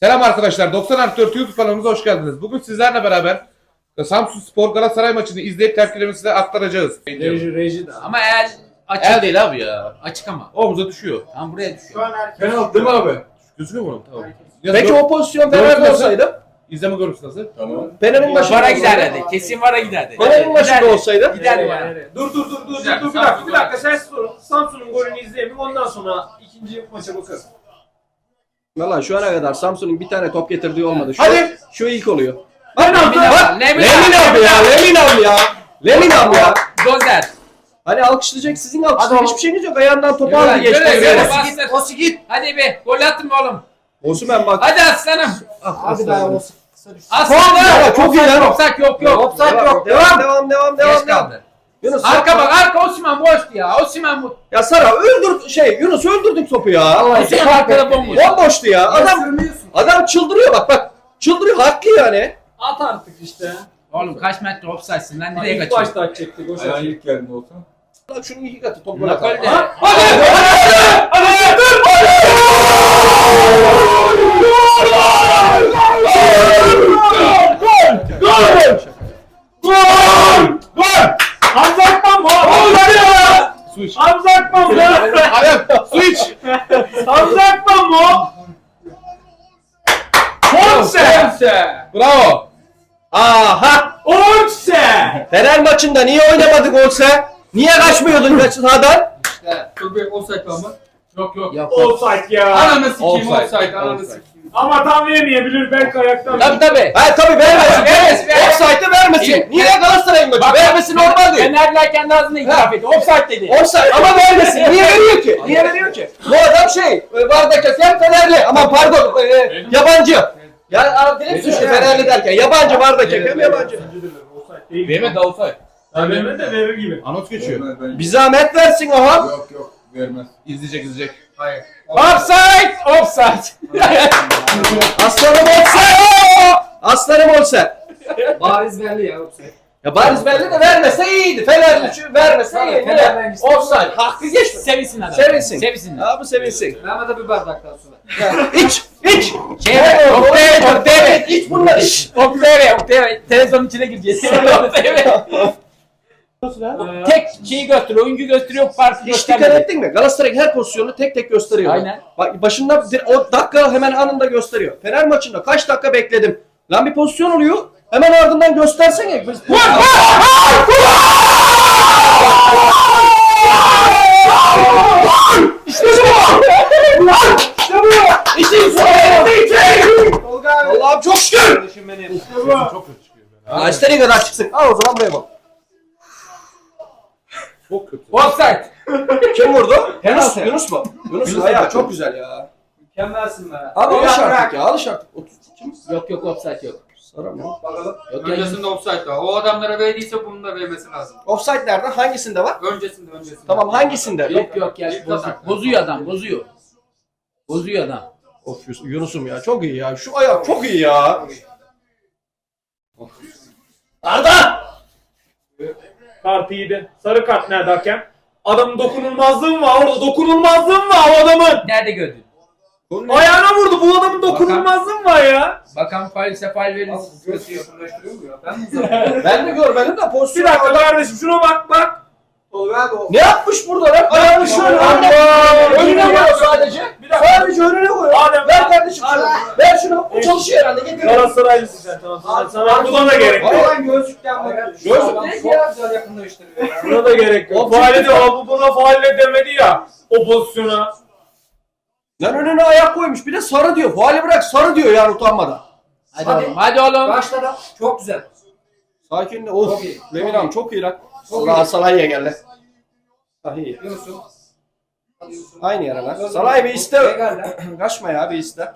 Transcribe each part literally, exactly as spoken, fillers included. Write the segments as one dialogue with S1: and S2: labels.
S1: Selam arkadaşlar. doksan artı dört YouTube kanalımıza hoş geldiniz. Bugün sizlerle beraber Samsunspor Galatasaray maçını izleyip tepkilerimizi size aktaracağız.
S2: Reji, reji de.
S3: Ama el açık.
S1: El değil abi ya.
S3: Açık ama.
S1: Omuza düşüyor.
S3: Tam buraya düşüyor.
S2: Şu an penaltı değil mi abi?
S1: Gözüküyor mu? Tamam.
S4: Peki o pozisyon Fener'de olsaydı?
S1: İzleme görüntüsü nasıl?
S2: Tamam.
S4: Fener'in başında
S3: Vara
S4: olsaydı.
S3: giderdi. Kesin vara giderdi.
S4: Fener'in başında olsaydı?
S3: Giderdi vara.
S2: Dur dur dur dur
S3: Güzel,
S2: dur bir dakika bir dakika sen sorun. Samsun'un golünü izleyelim ondan sonra ikinci maça bakarız.
S4: Valla şu ana kadar Samsun'un bir tane top getirdiği olmadı. Şu,
S1: Hadi.
S4: Şu ilk oluyor.
S3: Lemin
S4: Bak!
S3: Lemin
S4: Lemin abi ya! Lemin abi ya! Lemin abi ya!
S3: Dozer.
S4: Hani alkışlayacak sizin alkışlayacak
S3: Hadi
S4: hiçbir şeyiniz yok. Ayağından topu
S3: Yürü,
S4: aldı geçti.
S3: yürü, yürü.
S4: Yürü.
S3: Bastır.
S4: Osi git.
S3: Hadi be. Gol attın mı oğlum?
S4: Osman bak.
S3: Hadi aslanım.
S4: Hadi daha Osi.
S3: Aslanım.
S4: Ya, çok iyi lan.
S3: Offside yok yok.
S4: Offside yok. Devam devam devam
S3: Geç
S4: devam. devam.
S3: kaldı.
S4: Yunus
S3: Arka
S4: yapma.
S3: bak arka Osman boştu ya. Osman bu.
S4: Ya Sara öldür şey Yunus öldürdük topu ya.
S3: Osman arkada bomboş.
S4: Bomboştu ya. Adam adam çıldırıyor bak bak. Çıldırıyor haklı yani.
S2: At artık işte.
S3: Oğlum kaç metre offside'sin lan nereye
S2: İlk
S3: kaçıyorsun?
S2: başta atacaktık. Boş
S5: Ayağın
S2: ver.
S5: ilk geldiğinde olsa.
S4: Lan şunun iki katı top
S3: Nakol
S4: bırak.
S3: de.
S2: Hamza Akman mı?
S1: Su iç.
S2: Hamza Akman mı?
S1: Ayak. Su iç.
S2: Hamza Akman mı? Onse!
S1: Bravo.
S4: Aha!
S2: Onse!
S4: Fener maçında niye oynamadık olsa? Niye kaçmıyordun kaç sahadan?
S5: Dur bir offside var mı?
S3: Yok yok.
S4: Yok.
S2: Offside ya.
S5: Ananı sikeyim
S1: Offside.
S5: offside. Ananı
S1: Offside.
S5: sikeyim.
S2: Ama tam yemeyebilir belki ayaktan.
S3: Tabii tabii.
S4: Ha tabii vermesin.
S3: Vermesin, vermesin.
S4: Offside'ı vermesin.
S3: İyi.
S4: Niye Galatasaray'ın maçı?
S3: Bak,
S4: Vermesi normal değil.
S3: Fenerler kendi ağzında itiraf etti. Offside dedi.
S4: Offside ama vermesin. Niye veriyor ki? Niye veriyor ki? Bu adam şey, vardaki hakem Fenerli. Ama pardon, e, yabancı. Ya direkt suçlu Fenerli derken. Yabancı vardaki hakem yabancı.
S5: Verme de offside.
S2: Ya verme de verir gibi.
S1: Anons geçiyor.
S5: Vermez bence.
S4: Bir zahmet versin oha.
S5: Yok yok vermez.
S1: İzleyecek izleyecek.
S5: Hayır.
S3: Offside! Offside!
S4: Aslanım olsa. Aslanım olsa.
S6: Bariz belli ya offside.
S4: Ya bariz belli de vermese iyiydi. Fenerli şu vermese
S6: Tabii,
S4: iyiydi.
S6: Fener'den gitsin.
S4: Offside. Hakkı geçme.
S3: Sevinsin adam.
S4: Sevinsin.
S3: Sevinsin.
S4: Abi sevinsin.
S6: Verme de bir bardaktan sonra.
S4: İç, iç.
S3: Şey ver, Oktay, Oktay.
S4: İç bunları iç.
S3: Oktay ver, Oktay ver. Televizyonun içine gireceğiz. Oktay ver. Tek şeyi gösteriyor, oyuncu gösteriyor, farkı
S4: Hiç dikkat
S3: göstermiyor.
S4: ettin mi? Galatasaray'ın her pozisyonunu tek tek gösteriyor.
S3: Aynen.
S4: Bak başında o dakika hemen anında gösteriyor. Fener maçında kaç dakika bekledim. Lan bir pozisyon oluyor. Hemen ardından göstersene. Biz... İşte bu! İşte bu! İşin sonunda Allah'ım çok şükür!
S1: Çok kötü çıkıyor.
S4: Ya istediğin kadar çıksın. Al o zaman buraya bak.
S1: Çok kötü.
S3: Offside.
S4: Kim vurdu? Yunus, Yunus mu? Yunus'un ayağı çok güzel ya.
S6: Mükemmelsin be.
S4: Abi
S6: Bırak,
S4: alış
S6: bırak.
S4: artık ya, alış artık. Otuz kim?
S3: Yok yok offside yok.
S4: Sara mı?
S6: Bakalım.
S3: Yok ya.
S5: Öncesinde offside var. O adamlara verdiyse bunun da vermesi lazım.
S4: Offside nerede? Hangisinde var?
S5: Öncesinde öncesinde.
S4: Tamam hangisinde?
S3: Yok yok ya. Bozuyor, bozuyor adam, bozuyor. Bozuyor adam.
S4: Of Yus- Yunus'um ya çok iyi ya. Şu ayak çok iyi ya. Arda!
S2: Kart iyiydi. Sarı kart nerede hakem? Adamın dokunulmazlığı mı var orada? Dokunulmazlığı mı var o adamın?
S3: Nerede gördün?
S2: Ayağına vurdu. Bu adamın dokunulmazlığı mı var ya?
S3: Bakan faal ise faal verir.
S6: Göz yakınlaştırıyor mu ya? Ben mi uzatayım?
S4: Ben de görmedim de
S2: Bir
S4: pozisyon.
S2: dakika kardeşim şuna bak bak.
S6: Tolga abi o.
S4: Ne yapmış burada lan? Ayağını şöyle önüne, önüne koyuyor sadece.
S2: Bir dakika.
S4: Sadece önüne koyuyor.
S2: Adem,
S4: Ver kardeşim şunu. Ver şunu. O çalışıyor herhalde. Getir.
S2: Galatasaraylısın sen tamam. Sana, sana buna da gerek yok.
S6: Ulan gözlükten bak.
S4: Gözlük
S6: Adam
S4: değil
S6: çok
S4: ya.
S6: güzel yakınlaştırıyor ya.
S2: Buna da gerek yok.
S4: O
S2: Faale de
S4: çünkü-
S2: o buna faale demedi ya. O pozisyona.
S4: Lan önüne ayak koymuş. Bir de sarı diyor. Faali bırak sarı diyor yani utanmadan.
S3: Hadi,
S6: Hadi.
S3: oğlum, hadi oğlum.
S6: Başladı. Çok güzel.
S4: Sakin de. Of.
S6: Çok iyi.
S4: Lemin
S6: Çok
S4: abi çok iyi lan.
S6: Çok
S4: Allah
S6: iyi.
S4: Salah'a geldi. Ah iyi.
S6: Yunus'um. Hadi Yunus'um.
S4: Aynı yere lan. Salah bir iste.
S6: Legal lan.
S4: Kaçma ya bir iste.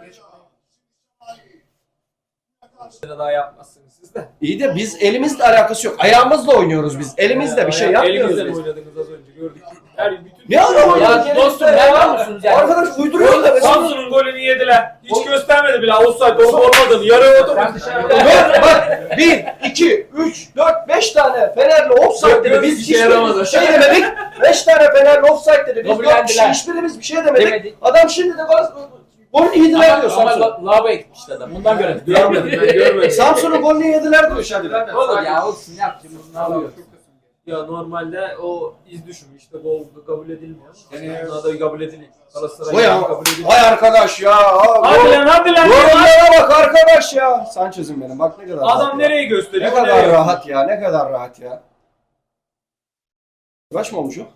S2: Daha yapmazsınız siz de.
S4: İyi de biz elimizle alakası yok. Ayağımızla oynuyoruz biz. Elimizle bir şey yapmıyoruz
S2: Elimizle
S4: biz.
S2: oynadınız az önce gördük. Her bütün
S4: Ne ara oynadık?
S3: Ya dostum nerede musunuz yani?
S4: Arkadaş uyduruyor da.
S2: Samsun'un golünü yediler. Hiç göstermedi bile. Offside olup olmadığını. Yarı oldu.
S6: Sen dışarıda.
S4: Dört, bak bir, iki, üç, dört, beş tane Fenerli offside dedi. Biz
S2: işe yaramadı.
S4: hiçbirimiz bir şey demedik. Beş tane Fenerli offside dedi. Biz dört kişi
S3: Kabullendiler.
S4: hiçbirimiz bir şey demedik.
S3: Demedik.
S4: Adam şimdi de gol Golünü yediler diyor
S3: Ama, ama
S4: Samsun.
S3: la- lavaboya gitmişti adam. Bundan göremedim.
S2: Görmedim ben görmedim.
S4: Samsun'un golünü yediler diyor Şadiler.
S3: Olur ya olsun yapacağım. Ne yapıyor?
S2: Ya normalde o iz düşümü işte gol kabul edilmiyor. Yani da kabul ediliyor. Galatasaray
S4: O ya.
S2: kabul ediliyor.
S4: Vay arkadaş ya.
S2: Hadi lan hadi lan.
S4: Yorumlara bak arkadaş ya. Sanchez'im benim bak ne kadar rahat
S2: Adam
S4: ya.
S2: nereye gösteriyor?
S4: Ne
S2: o
S4: kadar
S2: nereye
S4: rahat ya. Ne kadar rahat ya. Kaç mı olmuş o?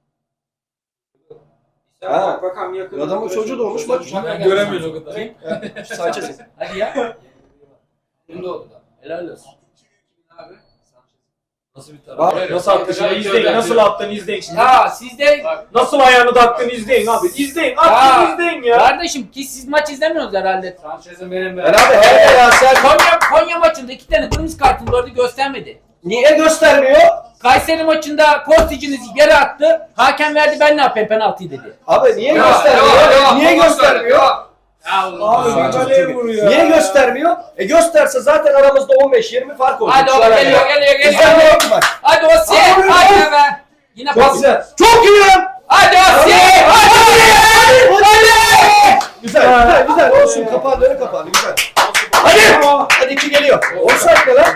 S4: Ha.
S6: Bak bakalım yakın.
S4: Adamın çocuğu doğmuş bak.
S2: Ben göremiyoruz o kadar.
S4: Sanchez'im.
S3: Hadi ya. Şimdi oldu da. Helal olsun.
S2: Nasıl bir
S4: Bak.
S2: taraf? Nasıl attın ya? İzleyin. Nasıl attın izleyin şimdi.
S3: Ya siz de
S2: Nasıl ayağını taktın izleyin abi. İzleyin.
S3: Ya.
S2: Attın izleyin ya.
S3: kardeşim ki siz maç izlemiyorsunuz herhalde.
S5: Sanchez'in benim
S4: Ben abi hele ya sen
S3: Konya, Konya maçında iki tane kırmızı kartın vardı göstermedi.
S4: niye göstermiyor?
S3: Kayseri maçında Kostic'iniz yere attı. Hakem verdi ben ne yapayım penaltıyı dedi.
S4: Abi niye
S5: Ya,
S4: göstermiyor?
S5: ya, ya,
S4: niye
S5: boş ver,
S4: göstermiyor?
S5: ya.
S2: Abi bir kaleye vuruyor.
S4: Niye göstermiyor? E gösterse zaten aramızda on beş yirmi fark olur.
S3: Hadi o
S4: Şu ana
S3: geliyor
S4: kadar.
S3: geliyor
S4: Bizden
S3: geliyor.
S4: ne yok ki bak?
S3: Hadi o si.
S4: Abi,
S3: Hadi be. Yine
S4: Çok
S3: pas.
S4: güzel. Çok iyi lan.
S3: Hadi o si. Hadi. Hadi.
S4: Güzel güzel güzel olsun kapağları kapandı güzel. Hadi. Hadi iki geliyor. Offside ne lan?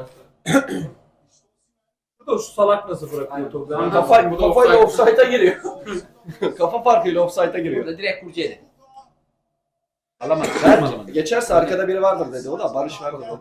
S2: Bu da şu salak nasıl bırakıyor topu? Ben
S4: Kafa,
S5: Bu da
S4: kafayla
S5: offside.
S4: offside'a giriyor. Kafa farkıyla offside'a giriyor.
S3: Burada direkt kurcu yedi. Alamadı.
S4: Berk, geçerse arkada biri vardır dedi. O da Barış vardı dedi.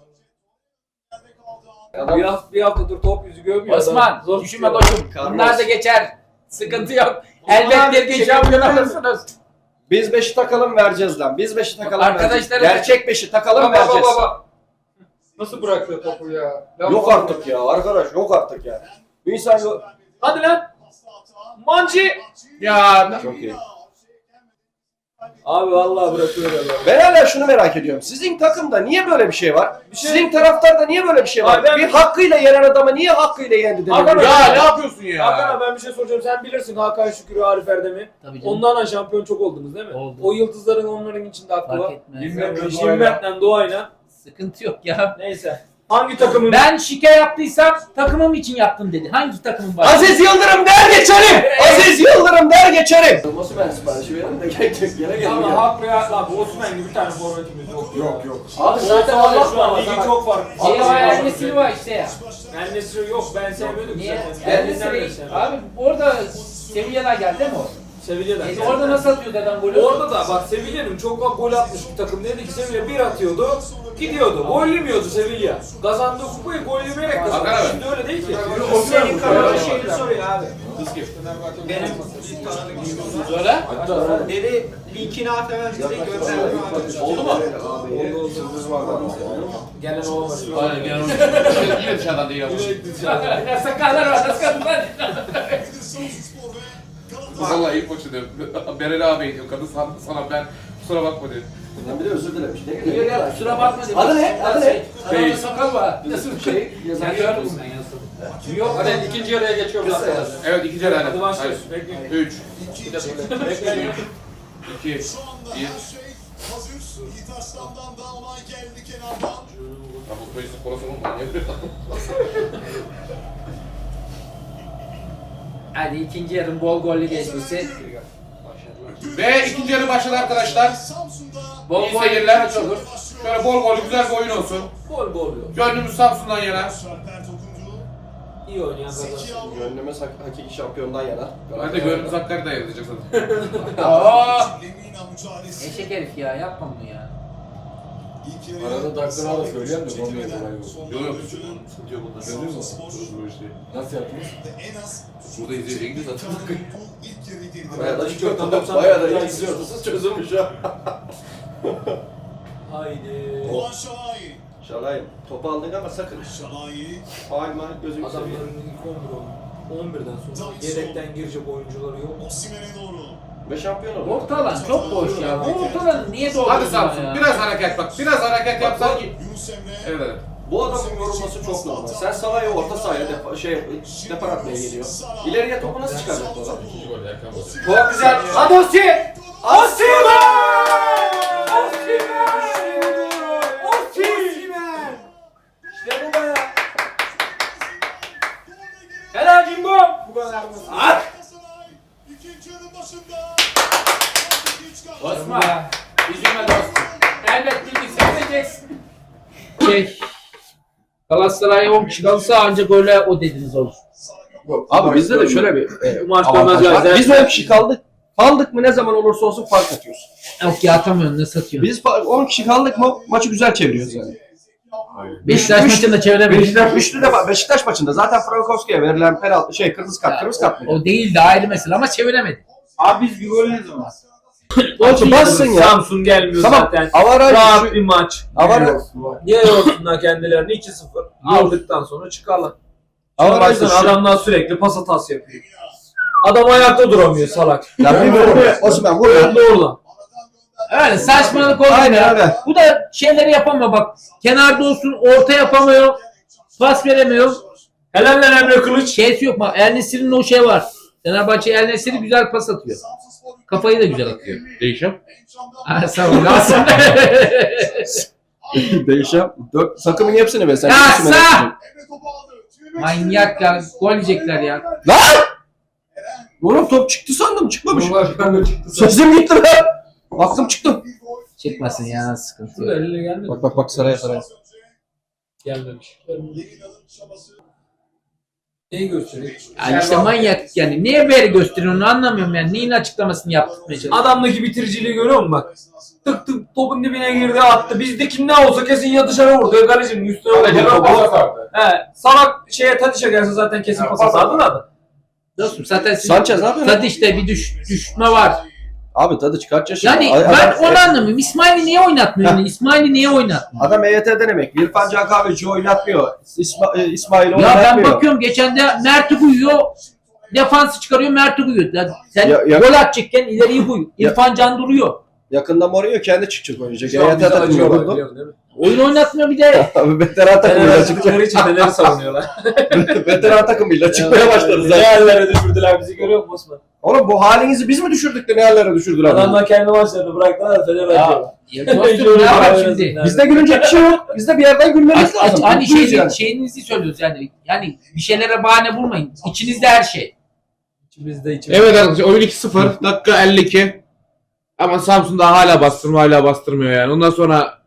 S2: bir hafta bir haftadır top yüzü görmüyor.
S3: Osman
S2: adam. Zor
S3: düşünme
S2: tutuyor.
S3: koçum.
S4: Carlos.
S3: Bunlar da geçer. Sıkıntı yok.
S2: Bunlar
S3: Elbet bir gün
S2: şey
S3: şampiyon
S2: yapıyor.
S3: alırsınız.
S4: Biz beşi takalım vereceğiz lan. Biz beşi takalım
S3: Arkadaşlar-
S4: vereceğiz. Gerçek beşi takalım
S5: Baba baba
S4: vereceğiz.
S5: baba. Nasıl bırakıyor topu ya? Lan
S4: Yok
S5: baba.
S4: artık ya arkadaş yok artık ya. Bir insan yok.
S2: Hadi lan. Mancı.
S1: Ya
S4: Çok iyi.
S2: Abi vallahi bırakıyor ya.
S4: Ben hala şunu merak ediyorum. Sizin takımda niye böyle bir şey var?
S2: Bir şey-
S4: Sizin taraftarda niye böyle bir şey var?
S2: Abi ben-
S4: Bir hakkıyla yenen adamı niye hakkıyla yendi
S2: Hakan
S4: demiyor?
S1: ya ne yapıyorsun ya?
S2: Hakan abi ben bir şey soracağım. Sen bilirsin Hakan Şükür'ü, Arif Erdem'i.
S3: Tabii canım.
S2: Onlarla şampiyon çok oldunuz değil mi?
S3: Oldu.
S2: O yıldızların onların içinde hakkı
S3: Fark
S2: var.
S3: etmez.
S5: Bilmiyorum.
S2: Jimmet'le Doğay'la.
S3: Sıkıntı yok ya.
S2: Neyse. Hangi takımın?
S3: Ben şike yaptıysam takımım için yaptım dedi. Hangi takımın var?
S4: Aziz Yıldırım der geçerim! Aziz Yıldırım der geçerim! Nasıl ben siparişi verin de gel gele gel.
S2: Ama haklı ya. Abi Osman gibi bir tane forvetimiz yok.
S4: Yok yok.
S2: Abi
S4: zaten
S2: zaten
S4: Allah
S2: şu an
S4: muhafaza
S2: ligi
S4: bak.
S2: çok farklı.
S3: Şey var,
S2: Abi,
S3: Ernest'i var işte ya.
S2: Ernest'i yok ben sevmiyordum
S3: Niye?
S2: zaten. Ernest'i
S3: Ernest'i abi orada Sevilla'dan geldi değil mi o?
S2: Sevilla'dan.
S3: E, orada nasıl atıyordu adam golü?
S2: Orada da bak Sevilla'nın çok gol atmış bir takım dedi ki Sevilla bir atıyordu, gidiyordu. Gol yemiyordu Sevilla. Kazandığı kupayı gol yemeyerek kazandı.
S1: Hakan abi.
S2: Şimdi öyle değil ki.
S6: Senin kararı şeyini soruyor abi. Benim bir tanıdık
S3: Söyle.
S6: dedi linkini at hemen bize gönderdim abi.
S3: Oldu mu?
S2: Gelen olamadı.
S1: Aynen gel onu. Yine dışarıdan değil ama.
S3: Ne sakallar var, nasıl kadınlar?
S1: Vallahi iyi koçu diyor. Berel abi diyor. Kadın sana, sana ben kusura bakma diyor.
S4: Ben bir de özür dilemiş. Ne
S3: Yok
S4: geliyor?
S3: ya kusura bakma dedim.
S4: Adı ne? Adı ne?
S3: Sarıda sakal var. Nasıl bir şey?
S4: Şey, yazan
S3: Sen gördün mü?
S5: Yok hadi ikinci yarıya geçiyoruz.
S4: Kısa yaz.
S1: Evet ikinci herhalde.
S2: Hadi başlıyoruz. Bekleyin.
S1: üç, iki,
S2: Bekleyin.
S1: bir. Ya bu köyüsü kolası mı? Ne yapıyor?
S3: Hadi ikinci yarım bol gollü geçmesi.
S1: Ve ikinci yarı başladı arkadaşlar.
S3: Bol
S1: İyi
S3: gol
S1: seyirler.
S3: maç olur.
S1: Şöyle bol gol güzel bir oyun olsun.
S2: Gol gol yok.
S1: Gönlümüz Samsun'dan yana.
S2: İyi oynayan kazansın.
S4: Gönlümüz hak- hakiki şampiyondan yana.
S1: Ben de gönlümüz Hakkari'den yana diyecek zaten.
S3: Aa! Eşek herif ya yapma bunu ya.
S7: Arada dakikalar da söyleyeyim de olmuyor kolay yok.
S1: Yok yok. Sıkıntı yok bunda.
S7: Gördün mü?
S1: Bu işte.
S7: Nasıl yaptınız?
S1: Burada izleyeceğiniz zaten.
S4: Bayağı da çok bayağı da iyi izliyorsunuz çözülmüş ha.
S2: Haydi.
S4: Şalay topu aldık ama sakın. Faal mal gözünü seveyim.
S2: Adamların ilk on bir oldu. on birden sonra yedekten girecek oyuncuları yok.
S4: Ve şampiyon oldu.
S3: Orta alan çok boş ya. Bu orta alanı niye doldurdun
S1: Hadi Samsun
S3: ya?
S1: biraz hareket bak. Biraz hareket yapsan ki. Evet evet.
S4: Bu adamın yorulması çok normal. Sen Salah'ya orta sahaya defa, şey depar atmaya geliyor. İleriye topu nasıl çıkaracak bu adam?
S1: İkinci gol Erkan Bozuk.
S4: Çok güzel. Hadi Osi! İşte bu be.
S2: Helal Jimbo. Bu kadar mı?
S3: Osman. Galatasaray on kişi kalırsa ancak öyle o dediniz olur.
S4: Abi bizde de şöyle bir e,
S5: Bu maç
S4: avantaj
S5: dönmez
S4: var.
S5: ya.
S4: Biz on kişi kaldık. Kaldık mı ne zaman olursa olsun fark atıyoruz.
S3: Yok ya atamıyorsun ne satıyorsun.
S4: Biz fa- on kişi kaldık mı maçı güzel çeviriyoruz yani.
S3: Beşiktaş
S4: Üç-
S3: maçında çeviremedik.
S4: Beşiktaş üçlü de Beşiktaş maçında zaten Frankowski'ye verilen penaltı şey kırmızı kart kırmızı kart mı?
S3: O değil de ayrı mesele ama çeviremedik.
S6: Abi biz bir gol ne zaman?
S4: Maçı bassın ya.
S2: Samsun gelmiyor
S4: Tamam.
S2: zaten.
S4: Avaraj
S2: Rahat bir maç.
S4: Avaraj
S2: Niye yorsunlar kendilerini iki sıfır aldıktan sonra çıkarlar.
S4: Avaraj da
S2: Baksana
S4: şu.
S2: adamlar sürekli pas hatası yapıyor. Adam ayakta duramıyor salak.
S4: Ya bir vur. Osman vur ya.
S2: Doğru.
S3: Öyle saçmalık oldu
S4: Aynen
S3: ya.
S4: öyle.
S3: Bu da şeyleri yapamıyor bak. Kenarda olsun orta yapamıyor. Pas veremiyor.
S2: Helaller Emre Kılıç.
S3: Şeysi yok bak. El Nesir'in o şey var. Fenerbahçe El Nesir'i güzel pas atıyor. Kafayı da güzel atıyor.
S1: Değişim.
S3: Ha, sağ ol. Aslında.
S4: Değişem. Dört takımın hepsini be sen.
S3: Ya
S4: hepsini
S3: sağ!
S4: yöneteceksin.
S3: Manyak ya. Gol yiyecekler ya.
S4: Lan! Oğlum top çıktı sandım çıkmamış.
S5: Ben de çıktı.
S4: Sesim gitti lan. Aklım çıktı.
S3: Çıkmasın ya sıkıntı
S2: Şurada
S3: yok.
S2: eline gelmedi.
S4: Bak bak bak saraya saraya.
S2: Gelmemiş. Neyi gösteriyor?
S3: Yani işte manyak yani. Niye böyle gösteriyorsun onu anlamıyorum yani. Neyin açıklamasını yaptırmaya çalışıyorsun?
S2: Adamdaki bitiriciliği görüyor musun bak? Tık tık topun dibine girdi attı. Bizdeki ne olsa kesin ya dışarı vurdu ya kalecinin üstüne vurdu. He, salak şeye Tadiş'e gelse zaten kesin pas atardı da.
S3: Dostum zaten siz...
S4: Sanchez ne yapıyor?
S3: Tadiş'te bir düş, düşme var.
S4: Abi tadı çıkart yaşıyor.
S3: Yani
S4: Ay-
S3: ben
S4: adam-
S3: onu anlamıyorum. İsmail'i niye oynatmıyor? İsmail'i niye oynatmıyor?
S4: Adam E Y T'den emekli. İrfan Can Kahveci oynatmıyor. İsma, e, İsmail
S3: Ya
S4: oynatmıyor.
S3: ben bakıyorum geçen de Mert'i koyuyor. Defansı çıkarıyor Mert'i koyuyor. Ya sen
S4: Ya- ya-
S3: gol atacakken ileriyi koy.
S4: Ya-
S3: İrfan Can duruyor.
S4: Yakında Mourinho kendi çıkacak oynayacak.
S2: Şu an
S4: E Y T
S2: bizi
S4: takımı
S2: acıyorlar
S4: buldu.
S2: biliyorsun değil mi?
S3: Oyun oynatmıyor bir de.
S4: Abi veteran takımıyla
S2: Fener
S4: çıkacak.
S2: çıktıkları için Fener'i savunuyorlar.
S4: Veteran takımıyla çıkmaya başladı
S2: Ne
S4: zaten.
S2: yerlere düşürdüler bizi görüyor musun Osman?
S4: Oğlum bu halinizi biz mi düşürdük de ne yerlere düşürdüler? bizi?
S2: Adamlar kendi maçlarını bıraktılar da Fener acıyorlar.
S3: Ya dostum ne var şimdi?
S4: Bizde gülünecek bir şey yok. Bizde bir yerden gülmemiz
S3: Hani,
S4: lazım.
S3: hani
S4: Mutluyuz
S3: şey,
S4: yani.
S3: şeyinizi söylüyoruz yani. Yani bir şeylere bahane bulmayın. İçinizde her şey.
S2: İçimizde içimizde.
S1: Evet arkadaşlar oyun iki sıfır. Dakika elli iki. Ama Samsun da hala bastırmıyor hala bastırmıyor yani. Ondan sonra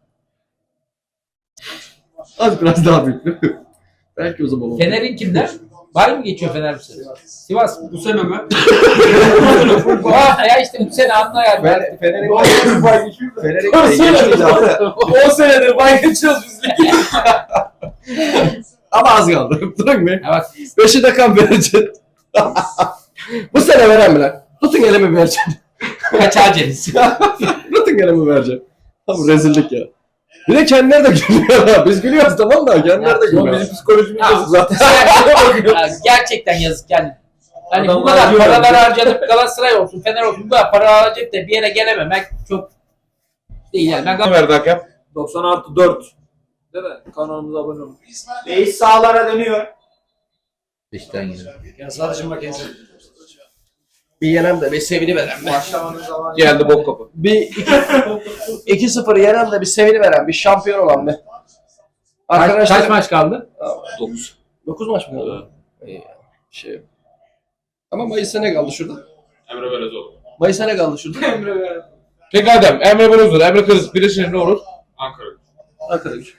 S4: Az biraz daha büyük. Belki o zaman olur.
S3: Fener'in kimler? Bay mı geçiyor Fener bu sene? Sivas mı?
S5: Bu sene mi?
S3: Aa, ya işte bu sene anla yani.
S4: Fener- Fener'in Fener'in geçmeyeceği abi.
S2: on senedir bay geçiyoruz biz ligi.
S4: Ama az kaldı. Durun mu?
S3: Ha bak
S4: Beşi de kan verecek. Bu sene veren mi lan? Tutun elimi vereceğim.
S3: kaç aceniz.
S4: Tutun elimi vereceğim. Tamam rezillik ya. Bir de kendileri de gülüyor ha. Biz gülüyoruz tamam da kendileri de gülüyor.
S2: Bizim psikolojimiz
S3: Ya,
S2: bozuk zaten.
S3: Ya, gerçekten yazık yani. Hani bu
S2: Adamlar
S3: kadar
S2: diyor
S3: paralar
S2: ya.
S3: harcadıp Galatasaray olsun, Fener olsun bu kadar para harcayıp da bir yere gelememek çok değil yani. Ben
S1: ne verdi hakem?
S2: doksan artı dört. Değil mi? Kanalımıza abone olun.
S6: Reis sağlara dönüyor.
S5: Ya sadece makinesi.
S4: Bir yenem de bir sevini veren mi?
S6: Başlamanın zamanı.
S1: Geldi bok kapı.
S4: Bir iki sıfır yenen de bir sevini veren bir şampiyon olan bir.
S3: kaç,
S4: Arkadaşlar
S3: kaç maç kaldı?
S4: dokuz. dokuz maç mı kaldı? İyi ya. Şey. Ama Mayıs'a ne kaldı şurada?
S1: Emre Belözoğlu.
S4: Mayıs'a ne kaldı şurada?
S2: Emre ver.
S1: Peki Adem, Emre Belözoğlu, Emre Kılıç birleşince ne olur?
S5: Ankara.
S4: Ankara gücü.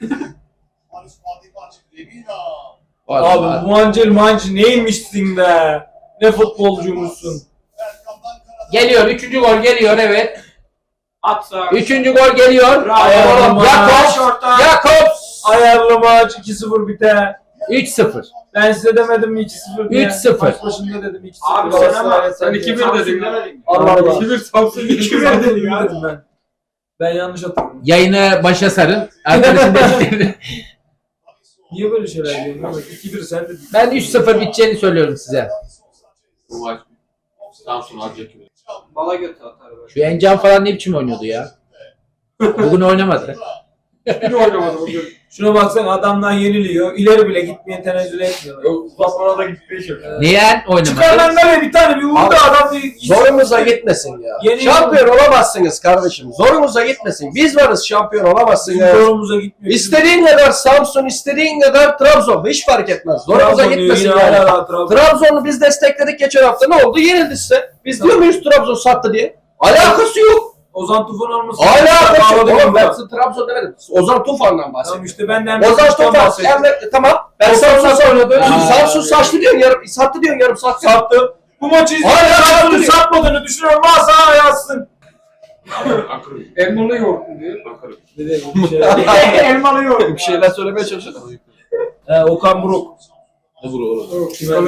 S2: Abi bu mancel mancı neymişsin be? Ne futbolcuymuşsun?
S3: Geliyor. Üçüncü gol geliyor evet.
S6: At sağa.
S3: Üçüncü gol geliyor.
S2: Ayağım
S3: Oğlum,
S2: maç.
S3: Jakobs. Jakobs.
S2: Ayarlı maç iki sıfır biter.
S3: üç sıfır.
S2: Ben size demedim mi iki sıfır diye?
S3: üç sıfır.
S2: Maç başında dedim iki sıfır.
S6: Abi sen ama
S5: Sen iki bir dedin ya.
S2: Allah Allah.
S5: iki bir Samsun
S2: iki bir dedim ya. Dedim ben. Ben yanlış hatırladım.
S3: Yayını başa sarın. Arkadaşın dediklerini.
S2: Niye böyle şeyler diyorsun? Bak iki bir sen dedin.
S3: Ben üç sıfır biteceğini söylüyorum size.
S5: Bu maç Samsun alacak gibi.
S6: Bala götü atar böyle.
S3: Şu Encan falan ne biçim oynuyordu ya? Bugün oynamadı.
S5: Bir oynamadı bugün.
S2: Şuna baksana adamdan yeniliyor. İleri bile gitmeye tenezzül etmiyor.
S5: Uzatmana da gitti şimdi.
S3: Niye oynamadı?
S2: Çıkar lan nereye bir tane bir vurdu
S4: Abi,
S2: adam bir
S4: Zorunuza gitmesin ya.
S2: Yeni-
S4: Şampiyon olamazsınız kardeşim. Zorunuza gitmesin. Biz varız şampiyon olamazsın ya.
S2: Zorumuza gitmiyor.
S4: İstediğin kadar Samsun, istediğin kadar Trabzon. Hiç fark etmez. Zorunuza
S2: Trabzon
S4: gitmesin
S2: diyor, yine
S4: yani.
S2: hala Trabzon.
S4: Trabzon'u biz destekledik geçen hafta. Ne oldu? Yenildi size. Biz diyor muyuz Trabzon sattı diye? Alakası yok.
S2: Ozan Tufan olması.
S4: Hala kaçıyor.
S2: Bağladı
S4: Oğlum ben
S2: baba.
S4: size Trabzon demedim. Ozan Tufan'dan
S2: Tamam
S4: bahsediyorum.
S2: işte ben de Emre
S4: Ozan
S2: Kılıç'tan
S4: Tufan.
S2: bahsettim.
S4: Emre, tamam. Ben
S2: Ozan
S4: Samsun
S2: Tufan oynadı.
S4: Samsun saçtı diyorsun yarım. Sattı diyorsun yarım saat.
S2: Sattı. Bu maçı izleyip
S4: Hala
S2: Samsun'un
S4: sattı.
S2: satmadığını düşünüyorum. Varsa yazsın.
S5: Akırı.
S7: Elmalı yoğurtlu diyor.
S5: Akırı.
S2: Elmalı yok.
S4: Bir şeyler söylemeye çalışıyordum.
S2: He, Okan Buruk.
S1: Ne vuru oğlum?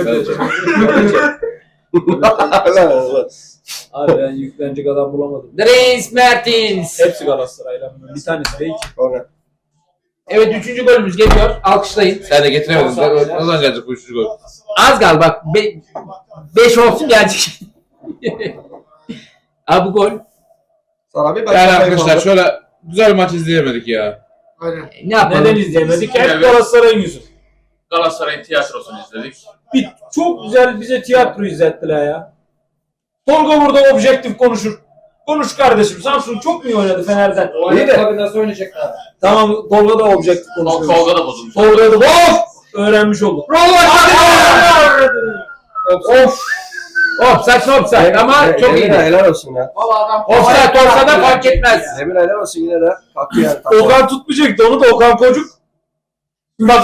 S2: Abi ben yüklenecek adam bulamadım.
S3: Dries Mertens.
S2: Hepsi Galatasaray'la. Bir tanesi değil ki.
S4: Sonra.
S3: Evet üçüncü golümüz geliyor. Alkışlayın.
S1: Sen de getiremedin. Ne zaman gelecek bu üçüncü gol?
S3: Az gal bak. Be beş olsun gelecek. Abi bu gol.
S4: Sana bir
S1: Yani arkadaşlar şöyle güzel bir maç izleyemedik ya.
S7: Aynen.
S3: Ne yapalım?
S2: Neden izleyemedik? Hep
S5: Evet.
S2: Galatasaray'ın yüzü.
S5: Galatasaray'ın tiyatrosunu izledik.
S2: Bir, çok güzel bize tiyatro izlettiler ya. Tolga burada objektif konuşur. Konuş kardeşim. Samsun çok mu iyi oynadı Fener'den?
S4: İyi de.
S7: Tabii nasıl oynayacaklar?
S2: Tamam Tolga da objektif konuşuyor.
S5: Tolga da bozulmuş.
S2: Tolga da of! Öğrenmiş olduk.
S3: Of. Of saçma offside ama çok
S4: Emre
S3: iyiydi.
S4: helal olsun ya.
S7: Valla adam...
S3: Offside olsa da fark etmez.
S4: Emre helal olsun yine de. Kalktı yani.
S2: Okan tutmayacaktı onu da Okan Kocuk. Bak